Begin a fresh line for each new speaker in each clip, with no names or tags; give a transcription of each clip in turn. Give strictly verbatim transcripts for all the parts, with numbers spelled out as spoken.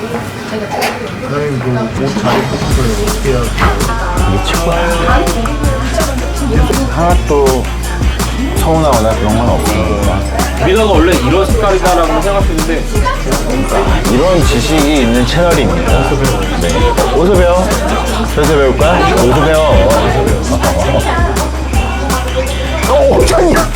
사장님도 옷 잘 입으시고요. 어떻게 해야
이게 최고야. 하나도 서운하거나 그런 건 없고
미더가 원래 이런 색깔이다라고 생각했는데
이런 지식이 있는 채널입니다. 네. 어디서 배워? 저기서 배울까? 어디서 배워? 오, 짱이야!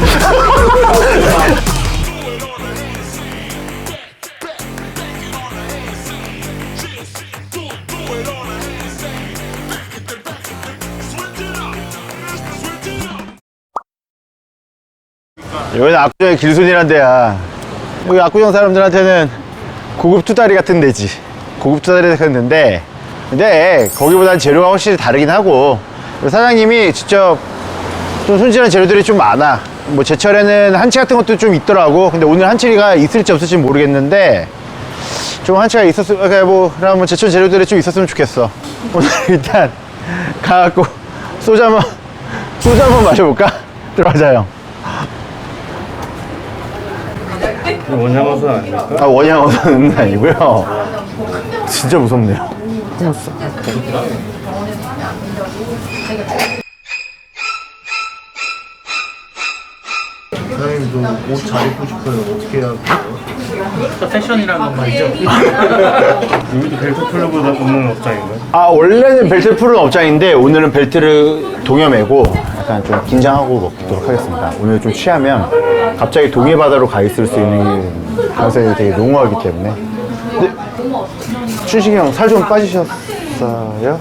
여기는 압구정의 길손이란 데야. 여기 압구정 사람들한테는 고급 투다리 같은 데지. 고급 투다리 같은 데인데, 근데 거기보다는 재료가 확실히 다르긴 하고, 사장님이 직접 좀 손질한 재료들이 좀 많아. 뭐 제철에는 한치 같은 것도 좀 있더라고. 근데 오늘 한치가 있을지 없을지 모르겠는데 좀 한치가 있었으면, 그러니까 뭐 그럼 제철 재료들이 좀 있었으면 좋겠어. 오늘 일단 가갖고 소주 한번 소주 한번 마셔볼까? 들어가자 형.
원양어선 아닙니까?
아, 원양어선은 아니고요. 진짜 무섭네요.
사장님도 옷 잘 입고 싶어요. 어떻게 해야
패션이라는 건 말이죠.
여기도 벨트 풀러보다 없는 업장인가요?
아, 원래는 벨트를 푸는 업장인데 오늘은 벨트를 동여매고 약간 좀 긴장하고 먹도록 하겠습니다. 오늘 좀 취하면 갑자기 동해 바다로 가 있을 수 있는 가능성이 되게 농후하기 때문에. 근데 춘식이 형 살 좀 빠지셨어요?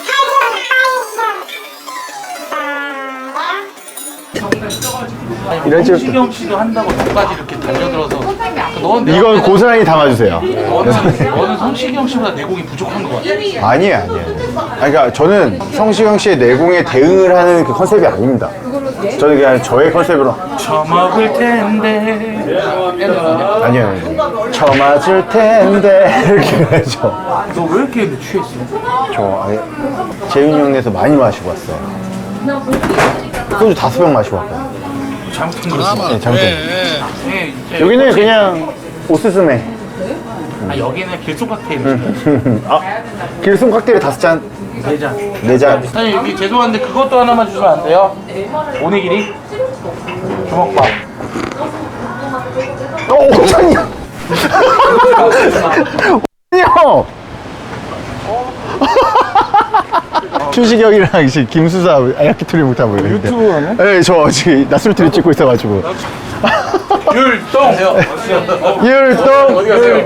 이런 식으로
시경 씨도 한다고 저까지 이렇게 달려들어서 너는
이건 고스란히 담아주세요.
너는, 너는 성시경 씨보다 내공이 부족한 것 같아.
아니에요, 아니에요. 아니, 그러니까 저는 성시경 씨의 내공에 대응을 하는 그 컨셉이 아닙니다. 저는 그냥 저의 컨셉으로.
처먹을 텐데.
아니에요, 아니에요. 처맞을 텐데. 이렇게 하죠.
너 왜 이렇게 취했어?
저 아예 재윤이 형네에서 많이 마시고 왔어요. 소주 다섯 병 마시고 왔거든요.
잘못한 거지.
네, 잘못했어요.
네, 이제
여기는 그냥 오스스메.
아, 여기는 길속 칵테일.
아, 길송 칵테일 다섯 잔,
네 잔.
네 잔.
사장님 여기 죄송한데 그것도 하나만 주시면 안 돼요? 오네기리 주먹밥.
오, 짱이야. 형. 춘식이 형이랑 이제 김수사 아야키토리 못하고 이랬는데. 유튜브 하네? 네, 저 지금 낮술트리 찍고 있어가지고.
율동.
율동.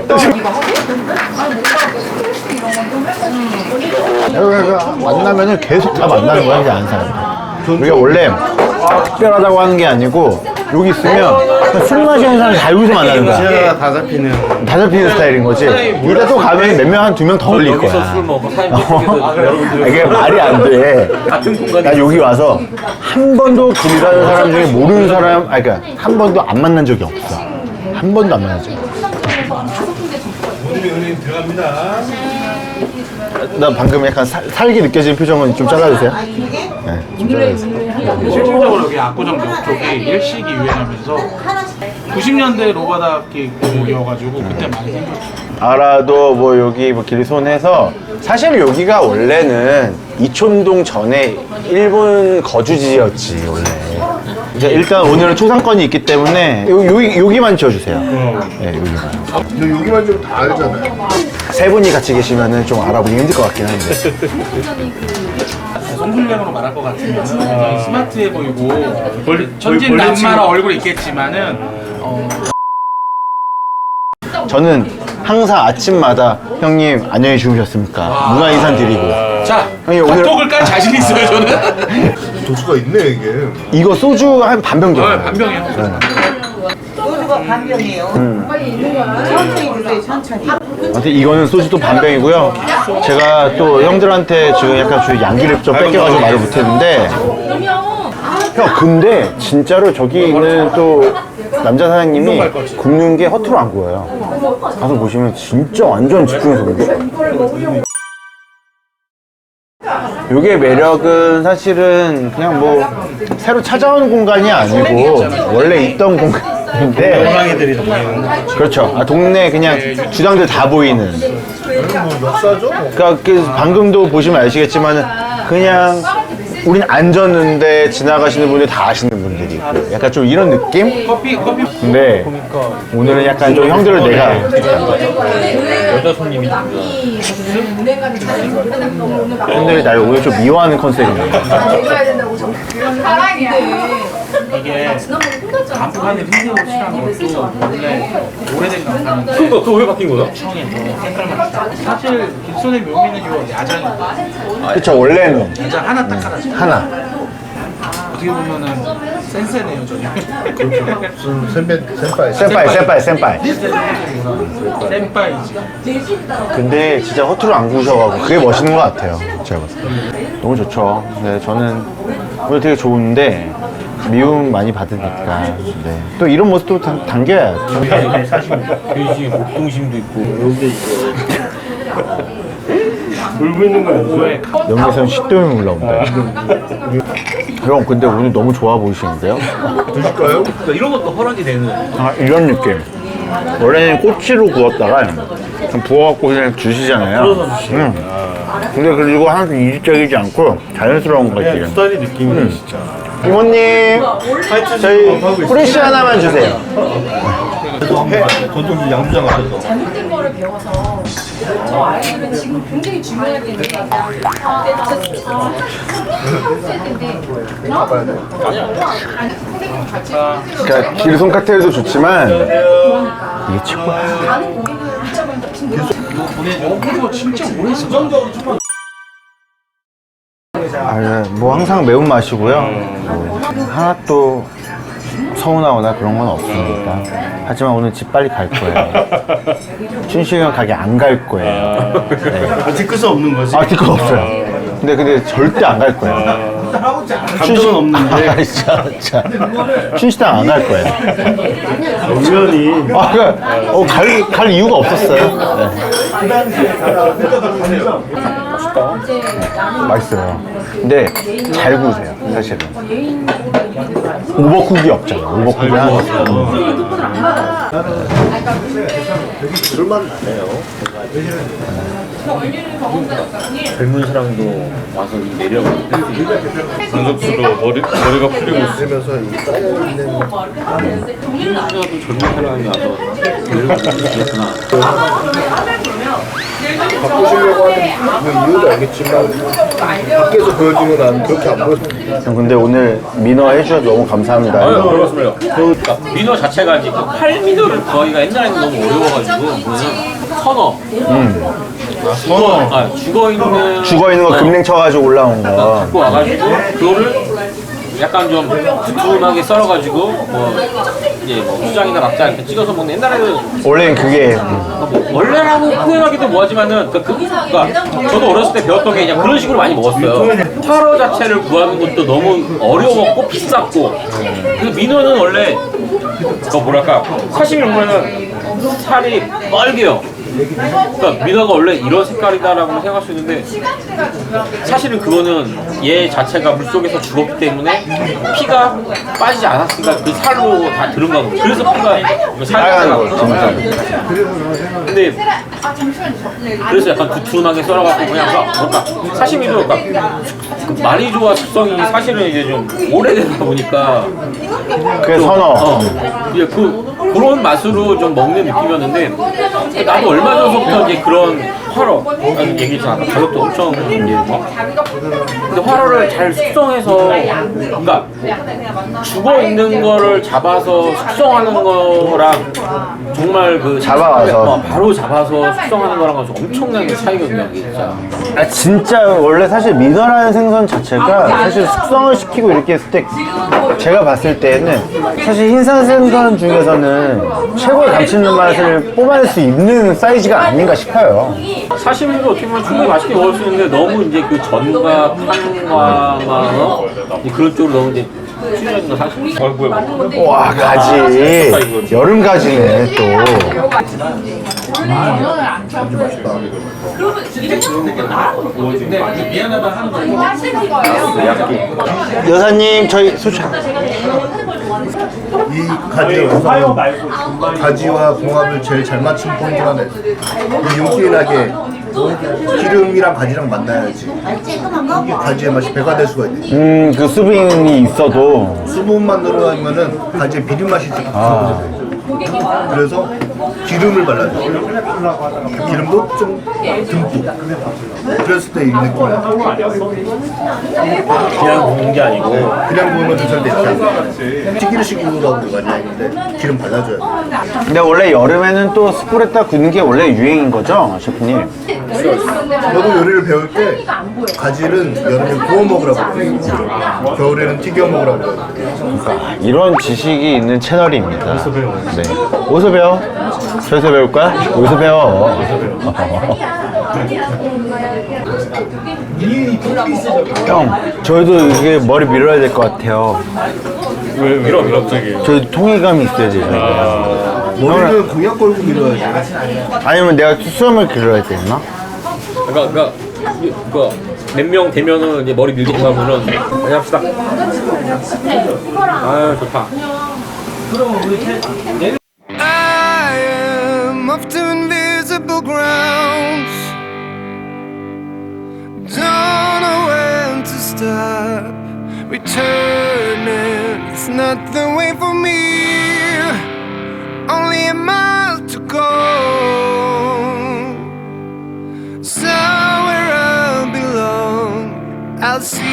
여기가 만나면은 계속 다 만나는 거야, 이제 아는 사람들. 우리가 원래 특별하다고 하는 게 아니고 여기 있으면 그냥 술 마시는 사람이 다 여기서 만나는 거야.
시야가 다 잡히는.
다 잡히는 스타일인 거지. 이따 또 가면 몇 명, 한 두 명 더 올릴 거야.
여기서 술 먹어.
아, 이게 말이 안 돼.
같은 공간에.
나 여기 와서 한 번도 길이라는 사람 중에 모르는 사람, 아니, 그러니까 한 번도 안 만난 적이 없어. 한 번도 안 만난 적이 없어.
오늘이 은행 들어갑니다.
나 방금 약간 살, 살기 느껴지는 표정은 좀 잘라주세요. 네, 좀 잘라주세요.
실질적으로 여기 압구정 역 쪽에 일식이 유행하면서 구십 년대 로바다기 골목이어가지고 그때 많이 생겼어요.
알아도 뭐 여기 뭐 길손해서 사실 여기가 원래는 이촌동 전에 일본 거주지였지 원래. 이제 일단 오늘은 초상권이 있기 때문에 요, 요, 여기만 지어주세요. 네, 여기만.
너 여기만 좀 다 알잖아요.
세 분이 같이 계시면은 좀 알아보기 힘들 것 같긴 한데.
송술량으로 말할 것 같으면 굉장히 스마트해 보이고 천진난만한 얼굴이 있겠지만은 어,
저는 항상 아침마다 형님 안녕히 주무셨습니까? 문화 인사 드리고.
자
형님, 오늘-
닭독을 깔 자신 있어요 저는.
도수가 있네 이게.
이거 소주 한 반병 정도.
어, 반병이에요.
소주가 반병이에요. 천천히 드세요, 천천히.
아무튼 이거는 소주도 반병이고요. 제가 또 형들한테 지금 약간 주 양기를 좀 뺏겨가지고 말을 못했는데. 형, 근데 진짜로 저기 있는 또 남자 사장님이 굽는 게 허투루 안 구워요. 가서 보시면 진짜 완전 집중해서 굽어요. 요게 매력은 사실은 그냥 뭐 새로 찾아오는 공간이 아니고 원래 있던 공간. 근데
호랑이들이 보이는.
그렇죠. 아, 동네 그냥 주당들 다 보이는. 그러니까 그 방금도 보시면 아시겠지만 그냥 우린 안 졌는데 지나가시는 분들 다 아시는 분들이 있고 약간 좀 이런 느낌?
커피 커피
근데 오늘은 약간 좀 형들을 내가
여자 손님이
형들이 나를 오늘 좀 미워하는 컨셉이네.
이게 간판에 흰색으로 칠한 것도 원래 오래된 간판.
그거 그거 왜 바뀐 거야?
청에서 색깔만 사실 빅손의 묘미는 요 야장인데
그쵸, 원래는
야장 하나 딱 하나
하나.
어떻게 보면은 센세네요 저희.
센파이, 센파이, 센파이.
센파이지.
근데 진짜 허투루 안 구우셔가지고 그게 멋있는 것 같아요. 제가 봤을 때. 너무 좋죠. 네, 저는 오늘 되게 좋은데 미움 많이 받으니까. 네. 또 이런 모습도 당, 당겨야죠.
돼지 목동심도 있고 여기 있어. 울고 있는 거야.
영에선 식도염이 올라온다. 형, 근데 오늘 너무 좋아 보이시는데요?
드실까요? 그러니까 이런 것도 허락이 되는.
아, 이런 느낌. 원래는 꼬치로 구웠다가 좀 부어갖고 그냥 주시잖아요. 응. 근데 그리고 항상 이질적이지 않고 자연스러운 거지.
두 다리 느낌이 진짜.
이모님, 저희 프레쉬 하나만 주세요.
전통 양주장 앞에서.
잘못된 거를 배워서 저 아이들은 지금 굉장히 중요할 텐데
그러니까 길손 칵테일도 좋지만 이게 최고야.
많은 고객들 붙잡은 친구
이거 보내줘. 이거 진짜 오래 있어.
아, 뭐 항상 매운 맛이고요. 뭐 하나도 서운하거나 그런 건 없습니다. 하지만 오늘 집 빨리 갈 거예요. 춘식이형 가게 안 갈 거예요. 네.
아, 뒤끝은 없는 거지?
아, 뒤끝 없어요. 근데 근데 절대 안 갈 거예요.
감정은 없는데.
아, 진짜, 진짜. 춘식당 안 갈 거예요.
우연히.
아, 그러니까 어, 갈, 갈 이유가 없었어요. 네. 맛있어요. 근데 잘 구우세요, 사실은. 오버쿡이 없잖아요. 오버쿡이 하나 없어요.
젊은 사람도 와서 내려가고 상급수로 머리, 머리가 풀리고 있으면서 젊은 사람이 와서 내려가고
바꾸시려고 하는 이유도 알겠지만 밖에서 보여주면 난 그렇게 안 보였어요.
형, 근데 오늘 민어 해주셔서 너무 감사합니다.
아유, 그렇습니다. 그러니까 민어 자체가 이제 그 팔민어를 구하기가 옛날에는 너무 어려워가지고 그거는 선어.
선어.
아, 죽어 있는
죽어 있는 거 금냉 쳐가지고 올라온 거.
갖고 와가지고 그거를 약간 좀 두툼하게 썰어가지고 뭐 이제 뭐 수장이나 막장 이렇게 찍어서 먹는 옛날에는
원래는 그게
뭐 원래라고 표현하기도 뭐하지만은 그, 그, 그러니까 저도 어렸을 때 배웠던 게 그냥 그런 식으로 많이 먹었어요. 화로 자체를 구하는 것도 너무 어려웠고 비쌌고 그 민어는 원래 그 뭐랄까 사시미 보면은 살이 빨개요. 그러니까 민어가 원래 이런 색깔이다라고 생각할 수 있는데 사실은 그거는 얘 자체가 물속에서 죽었기 때문에 피가 빠지지 않았으니까 그 살로 다 들은 거고 그래서 피가
빨간 거,
살짝
진짜.
근데 그래서 약간 두툼하게 썰어갖고 그냥 뭔가 사시미도 그러니까 많이 좋아 숙성이 사실은 이제 좀 오래되다 보니까
그게 선어.
어, 이제 그 그런 맛으로 좀 먹는 느낌이었는데 나도 얼마 전부터 이제 그런 화로 라는 얘기했잖아. 아까 가격도 엄청 이제 뭐. 근데 화로를 잘 숙성해서 그러니까 죽어 있는 거를 잡아서 숙성하는 거랑 정말 그
잡아와서.
어, 바로 잡아서 숙성하는 거랑은 좀 엄청난 차이거든요. 이게 진짜.
아, 진짜 원래 사실 민어라는 생선 자체가 사실 숙성을 시키고 이렇게 했을 때 제가 봤을 때는 사실 흰산 생선 중에서는 최고의 감칠맛 맛을 뽑아낼 수 있는 사이즈가 아닌가 싶어요.
사시미도 어떻게 보면 충분히 맛있게 먹을 수 있는데 너무 이제 그 전과 판과 막 어? 이제 그런 쪽으로 너무 이제 취하는 거 사실.
와, 가지. 여름 가지네, 또.
아주 맛있다.
미안하다 하는 거.
여사님 저희 소주
이 가지에서 가지와 궁합을 제일 잘 맞춘 포인트가 하나 있어요. 이 윤기나게 기름이랑 가지랑 만나야지 이게 가지의 맛이 배가 될 수가 있네.
음그 수분이 있어도
수분만 들어가면은 가지의 비린 맛이 좀 없어져요. 그래서 기름을 발라줘요. 기름도 좀 듬뿍. 그랬을 때 이 느낌이야.
그냥 먹는 게 아니고
그냥 구우면 좀 잘 되지 않아. 튀기르식으로 많이 하는데 기름 발라줘야 돼.
근데 원래 여름에는 또 숯불에다 굽는 게 원래 유행인 거죠 셰프님?
저도 요리를 배울 때 가지는 여름에 구워 먹으라고 그래요. 겨울에는 튀겨 먹으라고 그래요.
그러니까 이런 지식이 있는 채널입니다. 어디서 배워? 네. 어디서 배워? 저기서 배울 거야? 어디서 배워? 형, 저희도 이게 머리 밀어야 될 것 같아요.
왜 밀어 밀어 갑자기?
저희 통일감이 있어야 돼요.
머리는 공약 걸고 밀어야지.
아니면 내가 수염을 길러야 되나?
그러니까 그러니까 몇 명 되면은 이제 머리 밀고 가면은 그냥 합시다. 아유 좋다.
I am off to invisible grounds. Don't know when to stop. Returning, it's not the way for me. Only a mile to go. Somewhere I belong. I'll see